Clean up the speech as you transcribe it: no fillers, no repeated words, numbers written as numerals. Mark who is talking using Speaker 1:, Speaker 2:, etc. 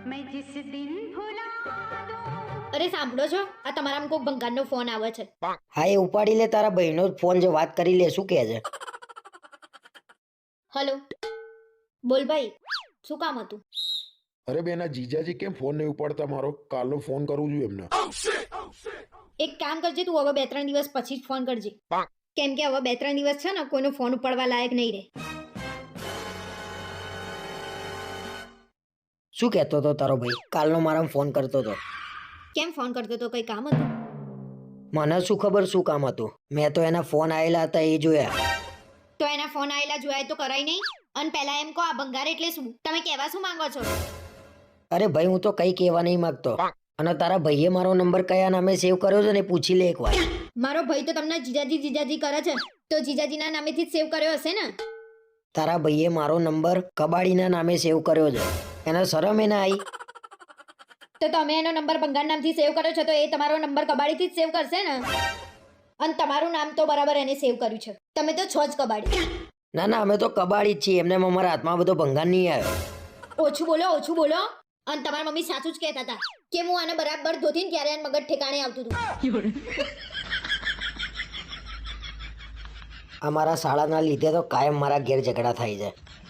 Speaker 1: અરે સાંભળો છો, આ તમારામાં કોઈક ભંગારનો ફોન આવે છે.
Speaker 2: હા એ ઉપાડી લે, તારા ભાઈનો ફોન છે, વાત કરી લે. શું કહે છે?
Speaker 1: હલો, બોલ ભાઈ, શું કામ હતું?
Speaker 3: અરે બેન, આ જીજાજી કેમ ફોન નહીં ઉપાડતા મારો? કાલનો ફોન કરું છું એમને.
Speaker 1: એક કામ કરજે, તું હવે 2-3 દિવસ પછી જ ફોન કરજે, કેમ કે હવે 2-3 દિવસ છે ને કોઈનો ફોન ઉપાડવા લાયક નહીં રહે.
Speaker 2: શું કહેતો હતો તારો ભાઈ? કાલનો મારા ફોન કરતો હતો.
Speaker 1: કેમ ફોન કરતો તો? કઈ કામ હતું?
Speaker 2: મને શું ખબર શું કામ હતું? મેં તો એના ફોન આવેલા હતા એ જોયા.
Speaker 1: તો એના ફોન આયેલા જોયા તો કરાય નહીં? અને પહેલા એમ કહો, આ ભંગાર એટલે શું? તમે કહેવા શું માંગો છો?
Speaker 2: અરે ભાઈ, હું તો કઈ કહેવા નહીં માંગતો. અને તારા ભાઈએ મારો નંબર કયા નામે સેવ કર્યો છે ને પૂછી લે એકવાર.
Speaker 1: મારો ભાઈ તો તમને જીજાજી જીજાજી કરે છે, તો જીજાજીના નામેથી જ સેવ કર્યો હશે ને?
Speaker 2: તારા ભાઈએ મારો નંબર કબાડીના નામે સેવ કર્યો છે. એને શરમ એ ના આવી?
Speaker 1: તો તમે એનો નંબર ભંગાર નામથી સેવ કર્યો છે, તો એ તમારો નંબર કબાડીથી જ સેવ કરશે ને? અને તમારું નામ તો બરાબર એને સેવ કર્યું છે. તમે તો છો જ કબાડી.
Speaker 2: ના ના, અમે તો કબાડી જ છીએ. એમને અમારા હાથમાં બધો ભંગાર નહીં આવ્યો.
Speaker 1: ઓછું બોલો, ઓછું બોલો. અને તમારા મમ્મી સાચું જ કહેતા હતા કે હું આને બરાબર ધોતીને ત્યારે આને મગજ ઠેકાણે આવતું હતું.
Speaker 2: અમારા શાળાના લીધે તો કાયમ મારા ઘેર ઝઘડા થાય છે.